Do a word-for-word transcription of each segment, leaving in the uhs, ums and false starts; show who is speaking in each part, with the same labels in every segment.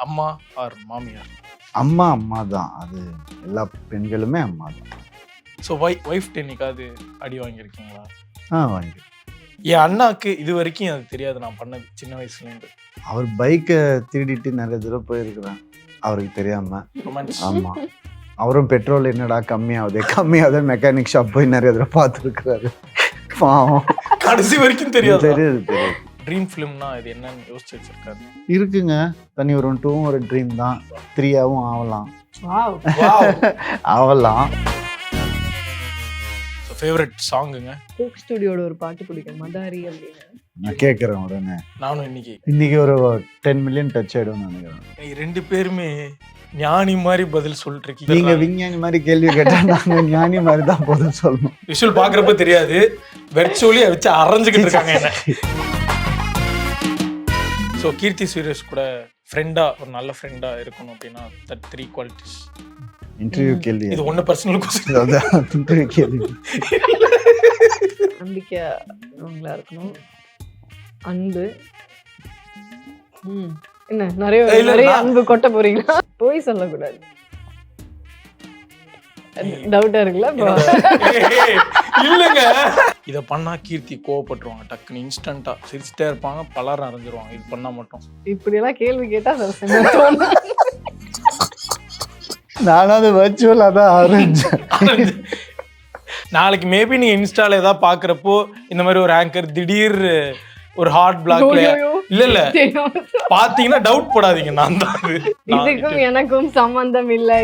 Speaker 1: அம்மா ஆர் மாமியார்?
Speaker 2: அம்மா அம்மா தான். அது எல்லா பெண்களுமே அம்மா தான்.
Speaker 1: ஸோ வை ஒய்ஃப் என்னைக்காவது அடி வாங்கியிருக்கீங்களா?
Speaker 2: ஆ வாங்கி
Speaker 1: என் அண்ணாக்கு இது வரைக்கும் அது தெரியாது நான் பண்ணது சின்ன வயசுலேருந்து.
Speaker 2: அவர் பைக்கை திருடிட்டு நிறைய தூரம் போயிருக்கிறேன் அவருக்கு தெரியாம.
Speaker 1: ரொமான்ஸ்.
Speaker 2: ஆமா, அவரும் பெட்ரோல் என்னடா கம்மியாகுது கம்மியாகுது மெக்கானிக் ஷாப் போய் நிறைய தூரம் பார்த்துருக்குறாரு. பாவம்,
Speaker 1: கடைசி வரைக்கும் தெரியாது.
Speaker 2: தெரியுது தெரியுது.
Speaker 1: ட்ரீம் ஃபிலிம்னா இது என்னன்னு யோசிச்சு வச்சிருக்காரு.
Speaker 2: இருக்குங்க, தனி ஒரு டூவும் ஒரு ட்ரீம் தான், த்ரீயாவும் ஆகலாம் ஆகலாம்.
Speaker 1: ஃபேவரட் சாங்குங்க?
Speaker 3: கோக் ஸ்டுடியோட ஒரு பாட்டு பிடிக்கும், மதாரி அப்படின்னு.
Speaker 2: நான் கேட்குறேன் உடனே.
Speaker 1: நானும் இன்னைக்கு
Speaker 2: இன்னைக்கு ஒரு டென் மில்லியன் டச் ஆயிடும்னு நினைக்கிறேன்.
Speaker 1: நீங்க ரெண்டு பேருமே ஞானி மாதிரி பதில் சொல்லிட்டு
Speaker 2: நீங்க
Speaker 1: இருக்கீங்க.
Speaker 2: விஞ்ஞானி மாதிரி கேள்வி கேட்டா நாங்க ஞானி மாதிரி தான் பதில் சொல்லணும்.
Speaker 1: விஷுவல் பாக்குறப்ப தெரியாது, வெர்ச்சுவலி வச்சு அரைஞ்சுக்கிட்டு இருக்காங்க என்ன. ஸோ கீர்த்தி சுரேஷ் கூட ஃப்ரெண்டா ஒரு நல்ல ஃப்ரெண்டா இருக்கணும் அப்படின்னா தட் த்ரீ குவாலிட்டிஸ்.
Speaker 2: இன்டர்வியூ கேள்வி
Speaker 1: இது ஒண்ணு பர்சனல் கொஸ்டின்.
Speaker 2: அதான் இன்டர்வியூ கேள்வி.
Speaker 3: நம்பிக்கையா இருக்கணும், அன்பு. ம் என்ன நிறைய
Speaker 1: இல்ல,
Speaker 3: நிறைய
Speaker 1: நான்-
Speaker 3: அன்பு கொட்ட போறீங்களா? போய் சொல்லக்கூடாது. டவுட்டா இருக்குல்ல இப்போ?
Speaker 1: இல்லங்க, இத பண்ணா கீர்த்தி கோவப்பட்டுருவாங்க, டக்குன்னு இன்ஸ்டன்ட்டா சிரிச்சுட்டே இருப்பாங்க, பலரும் அரைஞ்சிருவாங்க. இது பண்ணா மட்டும்
Speaker 3: இப்படி எல்லாம் கேள்வி கேட்டா அது செம்ம தோணும்.
Speaker 2: நானும் அது வர்ச்சுவலாக தான் ஆரம்பிச்சேன்.
Speaker 1: நாளைக்கு மேபி நீங்க இன்ஸ்டால ஏதாவது பாக்குறப்போ இந்த மாதிரி ஒரு ஆங்கர் திடீர் ஒரு ஹார்ட் பிளாக்ல
Speaker 3: ஐயோ, ஐயோ.
Speaker 1: இல்ல இல்ல
Speaker 3: தெரியும்.
Speaker 1: பாத்தீங்கன்னா டவுட் போடாதீங்க, நான் தான் அது. நான்
Speaker 3: இதுக்கும் எனக்கும் சம்பந்தம் இல்லை.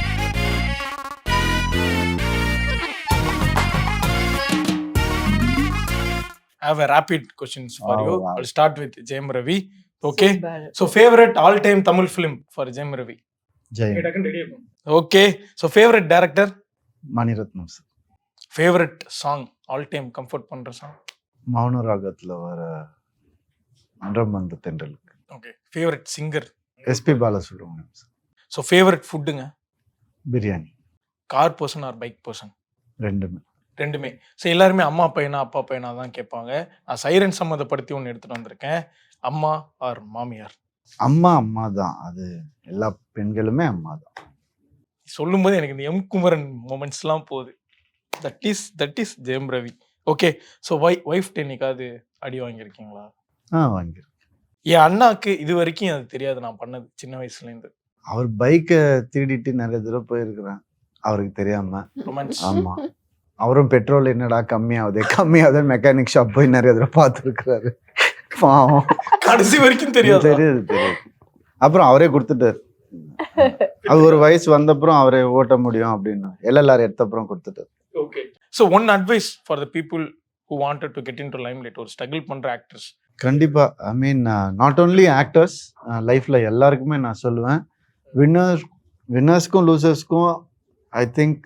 Speaker 1: have a rapid questions for
Speaker 2: Wow,
Speaker 1: you.
Speaker 2: wow.
Speaker 1: I'll start with Jayam Ravi. Okay.
Speaker 3: So bad.
Speaker 1: So favorite all time Tamil film for Jayam Ravi.
Speaker 2: Jayam.
Speaker 1: Okay. So favorite director,
Speaker 2: Maniratnam sir.
Speaker 1: favorite song, all time comfort பண்ற song.
Speaker 2: மௌன ராகத்துல வர மன்றம் வந்த தென்றலுக்கு.
Speaker 1: Okay. Favorite singer.
Speaker 2: S P Balasubrahmanyam sir.
Speaker 1: So favorite foodங்க?
Speaker 2: Biryani.
Speaker 1: Car person or bike person?
Speaker 2: ரெண்டுமே.
Speaker 1: ரெண்டுமே. So எல்லாருமே அம்மா பையனா அப்பா பையனா தான் கேட்பாங்க. நான் சைரன் சம்மந்தப்படுத்தி ஒன்று எடுத்துட்டு வந்திருக்கேன். அம்மா ஆர் மாமியார்?
Speaker 2: அம்மா அம்மா தான். அது எல்லா பெண்களுமே அம்மா தான்.
Speaker 1: சொல்லும்போது எனக்கு இந்த எம் குமரன் மூமெண்ட்ஸ்லாம் போகுது. That is that is Jayam Ravi. Okay. So why wife என்னைக்காவது அடி வாங்கியிருக்கீங்களா?
Speaker 2: ஆ வாங்கிருக்கேன்.
Speaker 1: என் அண்ணாக்கு இது வரைக்கும் அது தெரியாது நான் பண்ணது சின்ன வயசுலேருந்து.
Speaker 2: அவர் பைக்கை திருடிட்டு நிறைய தூரம் போயிருக்கிறேன் அவருக்கு தெரியாம.
Speaker 1: ரொமான்ஸ்.
Speaker 2: ஆமா, அவரும் பெட்ரோல் என்னடா கம்மியாகுது கம்மியாகுது மெக்கானிக் ஷாப் போய் நிறைய தூரம் பார்த்துருக்குறாரு. பாவம்,
Speaker 1: கடைசி வரைக்கும் தெரியாது.
Speaker 2: தெரியுது தெரியுது. அப்புறம் அவரே கொடுத்துட்டாரு. அது ஒரு வயசு வந்தப்புறம் அவரே ஓட்ட முடியும் அப்படின்னு எல்எல்ஆர் எடுத்த அப்புறம் கொடுத்துட்டாரு.
Speaker 1: Okay. So one advice for the people who wanted to get into limelight, ஒரு ஸ்ட்ரகிள் பண்ற ஆக்டர்ஸ்.
Speaker 2: கண்டிப்பா, I mean not only actors, லைஃப்ல எல்லாருக்குமே நான் சொல்லுவேன், வின்னர் வின்னர்ஸ்க்கும் லூசர்ஸ்க்கும் ஐ திங்க்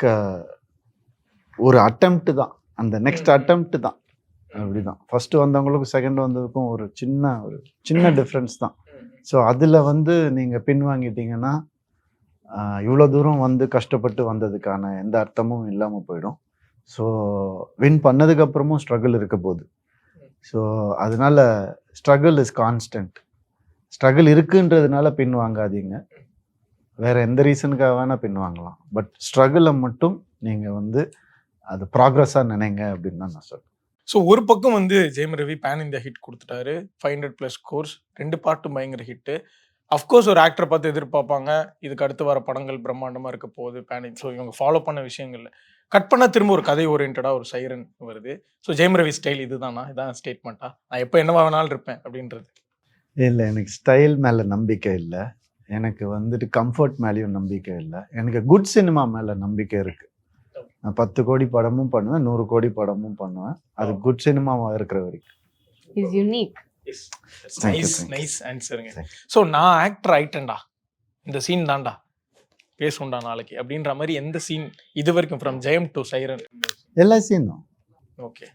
Speaker 2: ஒரு அட்டெம்ப்ட் தான், அந்த நெக்ஸ்ட் அட்டெம்ப்ட் தான். அப்படிதான் ஃபர்ஸ்ட் வந்தவங்களுக்கும் செகண்ட் வந்ததுக்கும் ஒரு சின்ன ஒரு சின்ன டிஃப்ரென்ஸ் தான். ஸோ அதில் வந்து நீங்கள் பின் வாங்கிட்டீங்கன்னா இவ்வளோ தூரம் வந்து கஷ்டப்பட்டு வந்ததுக்கான எந்த அர்த்தமும் இல்லாமல் போயிடும். ஸோ வின் பண்ணதுக்கப்புறமும் ஸ்ட்ரகிள் இருக்க போகுது. ஸோ அதனால ஸ்ட்ரகிள் இஸ் கான்ஸ்டன்ட். ஸ்ட்ரகிள் இருக்குன்றதுனால பின் வாங்காதீங்க, வேற எந்த ரீசனுக்காக வேணால் பின் வாங்கலாம், பட் ஸ்ட்ரகிளை மட்டும் நீங்கள் வந்து அது ப்ராக்ரஸாக நினைங்க அப்படின்னு தான் நான் சொல்றேன்.
Speaker 1: ஸோ ஒரு பக்கம் வந்து Jayam Ravi pan India hit கொடுத்துட்டாரு, ஃபைவ் ஹண்ட்ரட் ப்ளஸ் கோர்ஸ், ரெண்டு பாட்டும் பயங்கர ஹிட்டு. அஃப்கோர்ஸ் ஒரு ஆக்டரை பார்த்து எதிர்பார்ப்பாங்க, இதுக்கு அடுத்து வர படங்கள் பிரம்மாண்டமாக இருக்க போகுது பேன். ஸோ இவங்க ஃபாலோ பண்ண விஷயங்கள்ல கட் பண்ணால் திரும்ப ஒரு கதை ஓரியன்டாக ஒரு சைரன் வருது. ஸோ ஜெயம் ரவி ஸ்டைல் இதுதானா, இதான் ஸ்டேட்மெண்ட்டா, நான் எப்போ என்னவா வேணாலும் இருப்பேன் அப்படின்றது?
Speaker 2: இல்லை, எனக்கு ஸ்டைல் மேலே நம்பிக்கை இல்லை, எனக்கு வந்துட்டு கம்ஃபர்ட் மேலேயும் நம்பிக்கை இல்லை, எனக்கு குட் சினிமா மேலே நம்பிக்கை இருக்குது. நான் பத்து கோடி படமும் பண்ணுவேன், நூறு கோடி படமும் பண்ணுவேன், அது குட் சினிமாவாக இருக்கிற வரைக்கும்.
Speaker 3: Is unique.
Speaker 2: Thank you,
Speaker 1: nice
Speaker 2: thank you.
Speaker 1: Nice ஆன்சருங்க.
Speaker 2: Thank
Speaker 1: ஸோ நான் ஆக்டர் ஆயிட்டேன்டா, இந்த சீன் தான்டா பேசுண்டா நாளைக்கு அப்படின்ற மாதிரி எந்த சீன் இது வரைக்கும் ஃப்ரம் ஜெயம் டு சைரன்?
Speaker 2: எல்லா சீனும்.
Speaker 1: ஓகே.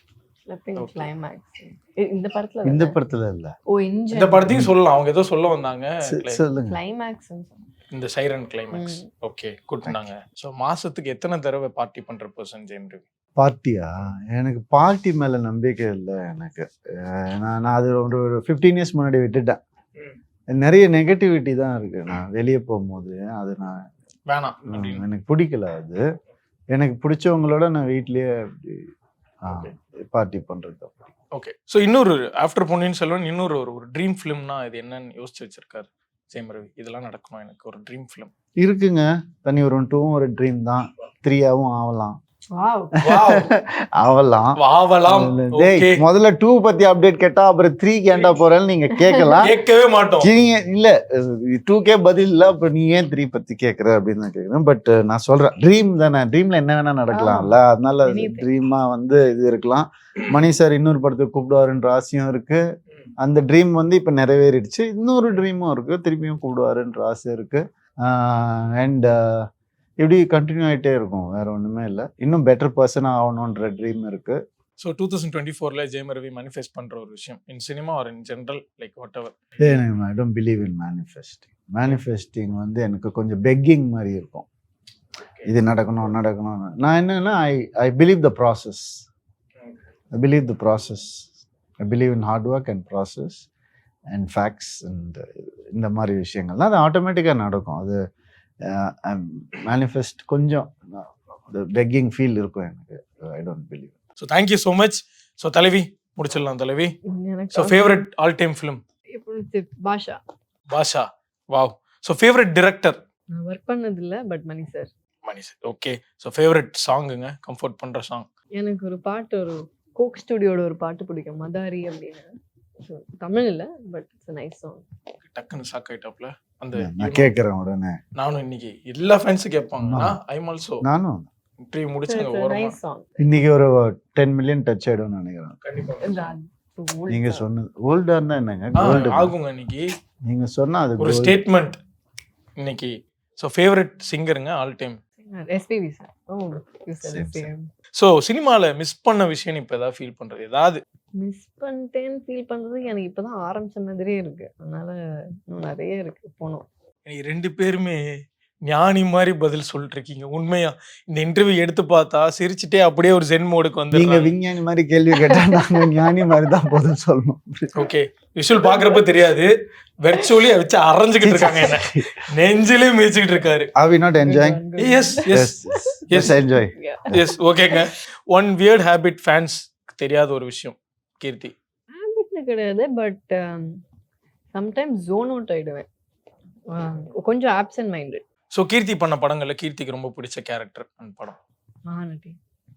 Speaker 3: கிளைமேக்ஸ் இந்த படத்துல
Speaker 2: இந்த படத்துல இல்லை,
Speaker 3: ஓ
Speaker 1: இந்த
Speaker 3: இந்த
Speaker 1: படத்தையும் சொல்லலாம், அவங்க ஏதோ சொல்ல வந்தாங்க
Speaker 2: சொல்லுங்க.
Speaker 3: கிளைமேக்ஸ்
Speaker 1: இந்த சைரன் கிளைமேக்ஸ். ஓகே, கூட்டினாங்க. ஸோ மாசத்துக்கு எத்தனை தடவை பார்ட்டி பண்ற பர்சன் ஜெயம் ரவி?
Speaker 2: பார்ட்டியா? எனக்கு பார்ட்டி மேல நம்பிக்கை இல்லை எனக்கு. அஹ் நான் நான் அது ஒரு ஒரு ஃபிஃப்டீன் இயர்ஸ் முன்னாடி விட்டுட்டேன். நிறைய நெகட்டிவிட்டி தான் இருக்கு. நான் வெளியே போகும்போது அது நான்
Speaker 1: வேணாம்
Speaker 2: ம்,
Speaker 1: அப்படின்னு.
Speaker 2: எனக்கு பிடிக்கல அது. எனக்கு பிடிச்சவங்களோட நான் வீட்லயே அப்படி பார்ட்டி பண்றது அப்படி.
Speaker 1: ஓகே. ஸோ இன்னொரு ஆஃப்டர் பொன்னியின் செல்வன் இன்னொரு ஒரு ஒரு ட்ரீம் ஃபிலிம்னா இது என்னன்னு யோசிச்சு வச்சிருக்காரு ஜெயம் ரவி. இதெல்லாம் நடக்கணும் எனக்கு ஒரு ட்ரீம் ஃபிலிம்.
Speaker 2: இருக்குங்க. தனி ஒரு டூவும் ஒரு ட்ரீம் தான். த்ரீயாவும் ஆகலாம்
Speaker 3: வாவ்
Speaker 2: ஆகலாம்.
Speaker 1: வாவலாம்.
Speaker 2: டேய்,
Speaker 1: ஓகே.
Speaker 2: முதல்ல டூ பத்தி அப்டேட் கேட்டா அப்புறம் த்ரீ கேண்டா போறேன்னு நீங்க கேட்கலாம்.
Speaker 1: கேட்கவே மாட்டோம்.
Speaker 2: நீங்க இல்ல டூ கே பதில் இல்ல, அப்புறம் நீ ஏன் த்ரீ பத்தி கேக்குற அப்படின்னு தான் கேக்குறேன். பட் நான் சொல்றேன், ட்ரீம் தானே, ட்ரீம்ல என்ன வேணா நடக்கலாம்ல. அதனால
Speaker 3: Anything.
Speaker 2: ட்ரீமா வந்து இது இருக்கலாம். மணி சார் இன்னொரு படத்துக்கு கூப்பிடுவாருன்ற ஆசையும் இருக்கு. அந்த ட்ரீம் வந்து இப்ப நிறைவேறிடுச்சு. இன்னொரு ட்ரீமும் இருக்கு, திருப்பியும் கூப்பிடுவாருன்ற ஆசை இருக்கு. அண்ட் இப்படி கண்டினியூ ஆகிட்டே இருக்கும். வேற ஒண்ணுமே இல்லை. இன்னும் பெட்டர் பர்சன் ஆகணுன்ற ட்ரீம் இருக்கு.
Speaker 1: ஸோ டூ தௌசண்ட் டுவெண்ட்டி ஃபோர்ல ஜெயம் ரவி மேனிஃபெஸ்ட் பண்ற ஒரு விஷயம் in cinema or in general like whatever.
Speaker 2: I don't believe in manifesting. Manifesting வந்து எனக்கு கொஞ்சம் பெக்கிங் மாதிரி இருக்கும். இது நடக்கணும் நடக்கணும். நான் என்னன்னா I I believe the process. I believe the process. I believe in hard work and process and facts and இந்த மாதிரி விஷயங்கள்லாம் அது ஆட்டோமேட்டிக்காக நடக்கும். அது மேனிஃபெஸ்ட் கொஞ்சம் பெக்கிங் ஃபீல் இருக்கும் எனக்கு. I don't believe.
Speaker 1: So thank you so much. So தலைவி முடிச்சிடலாம் தலைவி.
Speaker 3: எனக்கு
Speaker 1: so favourite all time film
Speaker 3: எப்படி Baasha.
Speaker 1: Baasha. Wow. So favourite director
Speaker 3: நான் ஒர்க் பண்ணது இல்ல, but Mani sir.
Speaker 1: Mani sir. Okay. So favourite சாங்குங்க, கம்ஃபர்ட் பண்ற சாங்.
Speaker 3: எனக்கு ஒரு பாட்டு, ஒரு கோக் ஸ்டுடியோட ஒரு பாட்டு பிடிக்கும், மதாரி அப்படின்னு. So, தமிழ் இல்ல, பட் இட்ஸ் நைஸ் சாங்.
Speaker 1: டக்குன்னு ஷாக் ஆயிட்டாப்ல. அந்த
Speaker 2: நான் கேட்குறேன் உடனே.
Speaker 1: நானும் இன்னைக்கு எல்லா ஃபேன்ஸும் கேட்பாங்க. ஐம் ஆல்சோ
Speaker 2: நானும்
Speaker 1: இன்டர்வியூ முடிச்சுங்க
Speaker 3: இட்ஸ்
Speaker 1: ஓரமா.
Speaker 3: Nice song.
Speaker 2: இன்னைக்கு ஒரு டென் மில்லியன் டச் ஆயிடும்னு நினைக்கிறேன்.
Speaker 1: கண்டிப்பா
Speaker 2: நீங்க சொன்னது ஓல்டா இருந்தா என்னங்க,
Speaker 1: ஆ,
Speaker 2: கோல்டு
Speaker 1: ஆகுங்க இன்னைக்கு
Speaker 2: நீங்க சொன்னா அது
Speaker 1: ஒரு
Speaker 2: gold.
Speaker 1: ஸ்டேட்மெண்ட் இன்னைக்கு. ஸோ ஃபேவரட் சிங்கருங்க all time.
Speaker 3: SPB sir. Oh you
Speaker 2: Same,
Speaker 3: said
Speaker 2: same.
Speaker 3: Same.
Speaker 1: So சினிமாவில் மிஸ் பண்ண விஷயம் இப்போ ஏதாவது ஃபீல் பண்றது ஏதாவது?
Speaker 3: மிஸ் பண்ணிட்டேன்னு ஃபீல் பண்றது எனக்கு இப்பதான் ஆரம்பிச்ச மாதிரியே இருக்கு. அதனால இன்னும் நிறைய இருக்கு போனோம்.
Speaker 1: நீங்க ரெண்டு பேருமே ஞானி மாதிரி பதில் சொல்லிட்டு இருக்கீங்க. உண்மையா இந்த இன்டர்வியூ எடுத்து பார்த்தா சிரிச்சுட்டே அப்படியே ஒரு ஜென் மோடுக்கு
Speaker 2: நீங்க
Speaker 1: வந்து.
Speaker 2: விஞ்ஞானி மாதிரி கேள்வி கேட்டா நாங்க ஞானி மாதிரி தான் பதில் சொல்லணும்.
Speaker 1: ஓகே. விஷுவல் பாக்குறப்ப தெரியாது, வெர்ச்சுவலி வச்சு அரைஞ்சுக்கிட்டு இருக்காங்க. என்ன நெஞ்சிலே மிதிச்சுக்கிட்டு இருக்காரு.
Speaker 2: Are we not enjoying?
Speaker 1: Yes yes
Speaker 2: Yes, yes, enjoy.
Speaker 1: Yes. ஓகேங்க. ஒன் வியர்ட் ஹேபிட் ஃபேன்ஸ் தெரியாத ஒரு விஷயம் கீர்த்தி.
Speaker 3: ஹேபிட்னு கிடையாது, பட் சம்டைம்ஸ் ஜோன் அவுட் ஆயிடுவேன். அஹ் கொஞ்சம் ஆப்சென்ட் மைண்டட்.
Speaker 1: ஸோ கீர்த்தி பண்ண படங்கள்ல கீர்த்திக்கு ரொம்ப பிடிச்ச கேரக்டர் அண்ட் படம்.
Speaker 3: மகாநதி.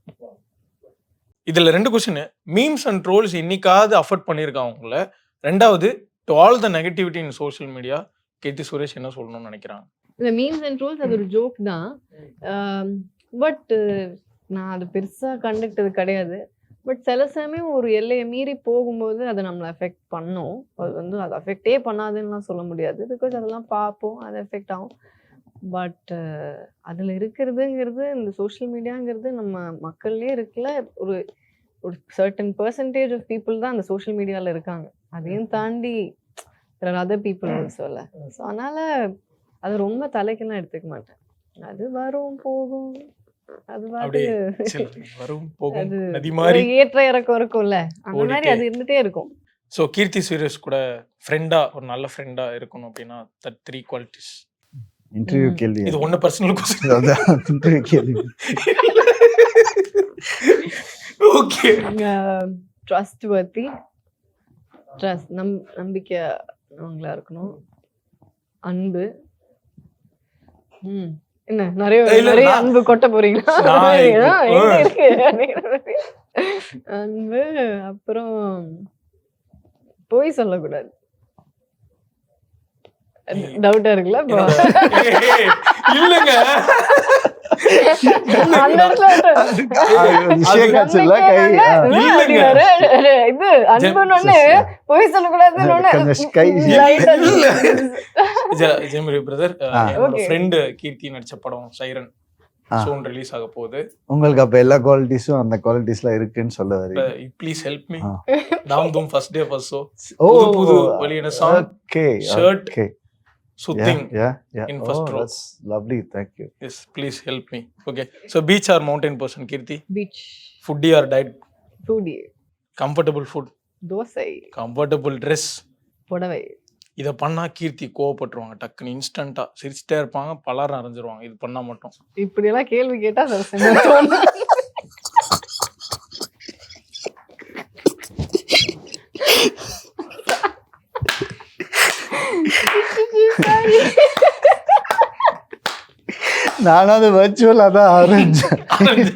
Speaker 1: இதுல ரெண்டு கொஸ்டின். மீம்ஸ் அண்ட் ட்ரோல்ஸ் இன்னைக்காவது அஃபோர்ட் பண்ணியிருக்காங்க உங்களை. ரெண்டாவது, to all the negativity in social media Keerthy Suresh என்ன சொல்லணும்னு நினைக்கிறாங்க?
Speaker 3: இந்த மீம்ஸ் அண்ட் ட்ரோல்ஸ் அது ஒரு ஜோக் தான். பட் நான் அது பெருசா கண்டுக்கிட்டது கிடையாது. பட் சில சமயம் ஒரு எல்லையை மீறி போகும்போது அது நம்மளை அஃபெக்ட் பண்ணும். அது வந்து அது அஃபெக்டே பண்ணாதுன்னுலாம் சொல்ல முடியாது. பிகாஸ் அதெல்லாம் பார்ப்போம், அது எஃபெக்ட் ஆகும். பட் அதில் இருக்கிறதுங்கிறது, இந்த சோஷியல் மீடியாங்கிறது நம்ம மக்கள்லேயே இருக்குல்ல, ஒரு ஒரு சர்டன் பர்சன்டேஜ் ஆஃப் பீப்புள் தான் அந்த சோஷியல் மீடியாவில் இருக்காங்க. அதையும் தாண்டி அதர் பீப்புள் சொல்ல. ஸோ அதனால அது ரொம்ப தலைக்கெல்லாம் எடுத்துக்க மாட்டேன். அது வரும் போகும், அது
Speaker 1: அப்படியே
Speaker 3: பாட்டு
Speaker 1: சில் வரும் போகும்
Speaker 3: அது
Speaker 1: நதி
Speaker 3: ஒரு
Speaker 1: மாதிரி.
Speaker 3: ஏற்ற இறக்கம் இருக்கும்ல, அந்த மாதிரி
Speaker 1: ஓடிட்டே.
Speaker 3: அது இருந்துட்டே இருக்கும்.
Speaker 1: ஸோ கீர்த்தி சுரேஷ் கூட ஃப்ரெண்டா ஒரு நல்ல ஃப்ரெண்டா இருக்கணும் அப்படின்னா தட் த்ரீ குவாலிட்டிஸ்.
Speaker 2: இன்டர்வியூ
Speaker 3: ம்.
Speaker 2: கேள்வி.
Speaker 1: இது ஒண்ணு பர்சனல் கொஸ்டின்.
Speaker 2: அதான் இன்டர்வியூ கேள்வி.
Speaker 1: ஓகே.
Speaker 3: ட்ரஸ்ட் வர்த்தி, ட்ரஸ்ட் நம் நம்பிக்கை அவங்களா இருக்கணும். அன்பு. ம் என்ன நிறைய
Speaker 1: இல்ல,
Speaker 3: நிறைய
Speaker 1: நான்-
Speaker 3: அன்பு கொட்ட போறீங்களா?
Speaker 1: நான் இப்போ-
Speaker 3: ஆ, எங்க இருக்கு அப்படிங்கிற அன்பு. அப்புறம் பொய் சொல்லக்கூடாது. டவுட்டா இருக்குல்ல இப்போ?
Speaker 1: ஏய், இல்லங்க.
Speaker 3: அந்த இடத்துல
Speaker 2: அது விஷயம் காட்சில கை
Speaker 3: நம்பிக்கை
Speaker 2: ஆ.
Speaker 3: வந்து
Speaker 1: இல்லைங்க.
Speaker 3: அப்படின்னாரு. இது அன்புன்னு ஒண்ணு, பொய் சொல்லக்கூடாதுன்னு ஒண்ணு.
Speaker 2: கொஞ்சம் கை
Speaker 3: Light ஆ
Speaker 1: இல்ல. ஜெ- ஜெயமரி பிரதர்,
Speaker 2: ஆ.
Speaker 1: என்னோட
Speaker 3: Okay.
Speaker 1: ஃப்ரெண்டு கீர்த்தி நடிச்ச படம் சைரன்
Speaker 2: ஆ.
Speaker 1: சோன் ரிலீஸ் ஆக போகுது.
Speaker 2: உங்களுக்கு அப்ப எல்லா குவாலிட்டிஸும் அந்த குவாலிட்டிஸ்லாம் இருக்குன்னு சொல்ல வரீங்க.
Speaker 1: Please help me.
Speaker 2: ஆ.
Speaker 1: Dhaam Dhoom first day first show
Speaker 2: oh
Speaker 1: புது புது வெளியின சாங்,
Speaker 2: ஓகே
Speaker 1: shirt,
Speaker 2: ஓகே
Speaker 1: சுத்திங்.
Speaker 2: Yeah yeah
Speaker 1: in
Speaker 2: oh
Speaker 1: first row.
Speaker 2: That's lovely, thank you.
Speaker 1: Yes please help me. Okay. So beach or mountain person Keerthy?
Speaker 3: Beach,
Speaker 1: foodie or diet?
Speaker 3: Foodie,
Speaker 1: comfortable food,
Speaker 3: dosa,
Speaker 1: comfortable dress,
Speaker 3: புடவை,
Speaker 1: இதை பண்ணா கீர்த்தி கோவப்பட்டுருவாங்க டக்குன்னு இன்ஸ்டன்ட்டா சிரிச்சுட்டே இருப்பாங்க, பலரும் அரைஞ்சிருவாங்க இது பண்ணா மட்டும்.
Speaker 3: இப்படி எல்லாம் கேள்வி கேட்டா சில சமயம் தோணும்.
Speaker 2: நானும் அது வர்ச்சுவலாக தான் ஆரம்பிச்சேன்.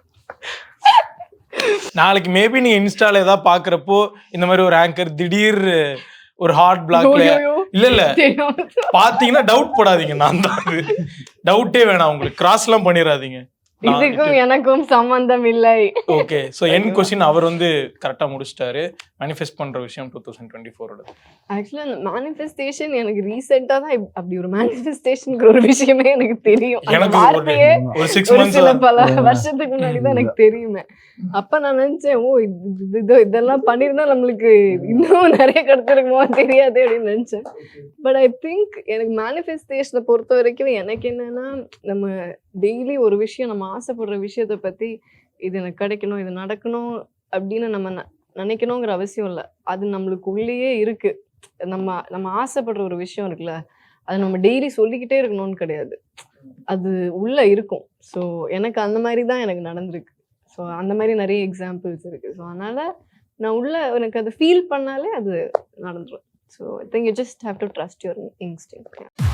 Speaker 1: நாளைக்கு மேபி நீங்க இன்ஸ்டால ஏதாவது பாக்குறப்போ இந்த மாதிரி ஒரு ஆங்கர் திடீர் ஒரு ஹார்ட் பிளாக்ல
Speaker 3: ஐயோ,
Speaker 1: இல்ல இல்ல
Speaker 3: தெரியும்.
Speaker 1: பாத்தீங்கன்னா டவுட் படாதீங்க, நான் தான் அது. டவுட்டே வேணாம் உங்களுக்கு, கிராஸ் எல்லாம் பண்ணிடாதீங்க.
Speaker 3: இதுக்கும் எனக்கும் சம்பந்தம் இல்லை.
Speaker 1: ஓகே, சோ என் கொஸ்டின் அவர் வந்து கரெக்டா முடிச்சிட்டாரு. மேனிஃபெஸ்ட் பண்ற விஷயம் டூ தௌசண்ட் டுவெண்ட்டி ஃபோரோட.
Speaker 3: ஆக்சுவலா அந்த மேனிஃபெஸ்டேஷன் எனக்கு ரீசெண்டா தான் இப்- அப்படி ஒரு மேனிஃபெஸ்டேஷன்ங்கிற ஒரு விஷயமே எனக்கு தெரியும். அந்த
Speaker 1: எனக்கு ஒரு
Speaker 3: வார்த்தையே
Speaker 1: ஒரு சிக்ஸ்
Speaker 3: ஒரு
Speaker 1: மந்த்ஸ்
Speaker 3: சில பல வருஷத்துக்கு முன்னாடி தான் எனக்கு தெரியுமே. அப்ப நான் நினைச்சேன், ஓ இது இது- இது- இதெல்லாம் பண்ணிருந்தா நம்மளுக்கு இன்னும் நிறைய கிடைச்சிருக்குமோ தெரியாது அப்படின்னு நினைச்சேன். பட் ஐ திங்க் எனக்கு மேனிஃபெஸ்டேஷனை பொறுத்த வரைக்கும் எனக்கு என்னன்னா, நம்ம டெய்லி ஒரு விஷயம் நம்ம ஆசைப்படுற விஷயத்த பத்தி இது எனக்கு கிடைக்கணும், இது நடக்கணும் அப்படின்னு நம்ம ந- நினைக்கணுங்கிற அவசியம் இல்லை. அது நம்மளுக்கு உள்ளேயே இருக்கு. நம்ம நம்ம ஆசைப்படுற ஒரு விஷயம் இருக்குல்ல, அது நம்ம டெய்லி சொல்லிக்கிட்டே இருக்கணும்னு கிடையாது, அது உள்ள இருக்கும். ஸோ எனக்கு அந்த மாதிரி தான் எனக்கு நடந்திருக்கு. ஸோ அந்த மாதிரி நிறைய எக்ஸாம்பிள்ஸ் இருக்கு. ஸோ அதனால நான் உள்ள எனக்கு அது ஃபீல் பண்ணாலே அது நடந்துடும். So I think you just have to trust your instinct.